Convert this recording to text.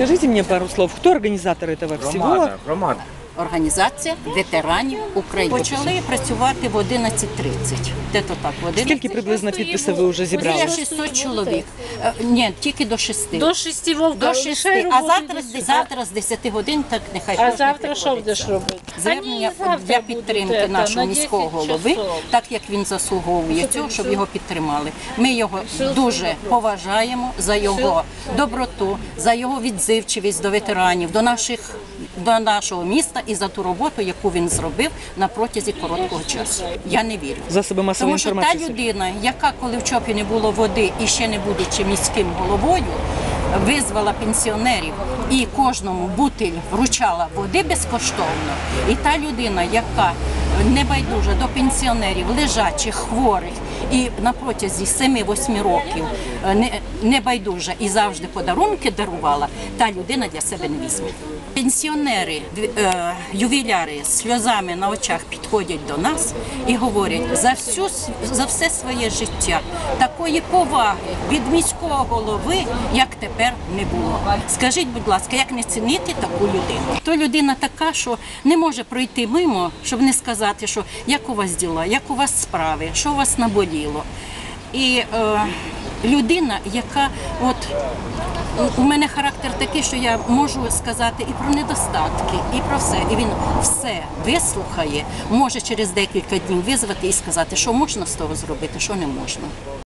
Скажите мне пару слов, кто организатор этого всего? Громада. Організація ветеранів України. Почали працювати в 11:30. Де-то так, в 11:30. Скільки приблизно підписів ви вже зібрали? Біля 600 чоловік. Ні, тільки до 6. До 6 вовка. До 6. А завтра з 10 годин, так нехай А кожен завтра що приходить. будеш робити? Звернення для підтримки нашого міського голови, так як він заслуговує цього, щоб його підтримали. Ми його дуже поважаємо за його доброту, за його відзивчивість до ветеранів, до нашого міста і за ту роботу, яку він зробив на протязі короткого часу. Я не вірю. Засоби масової Тому що та інформації. людина, яка коли в ЧОПі не було води і ще не будучи міським головою, визвала пенсіонерів і кожному бутиль вручала води безкоштовно. І та людина, яка небайдужа до пенсіонерів, лежачих, хворих, і на протязі 7-8 років небайдужа і завжди подарунки дарувала, та людина для себе не візьме. Пенсіонери, ювіляри з сльозами на очах підходять до нас і говорять, за все своє життя такої поваги від міського голови, як тепер, не було. Скажіть, будь ласка, як не цінити таку людину? То людина така, що не може пройти мимо, щоб не сказати, що як у вас діла, як у вас справи, що у вас наболіло. І людина, яка у мене характер такий, що я можу сказати і про недостатки, і про все. І він все вислухає, може через декілька днів визвати і сказати, що можна з того зробити, що не можна.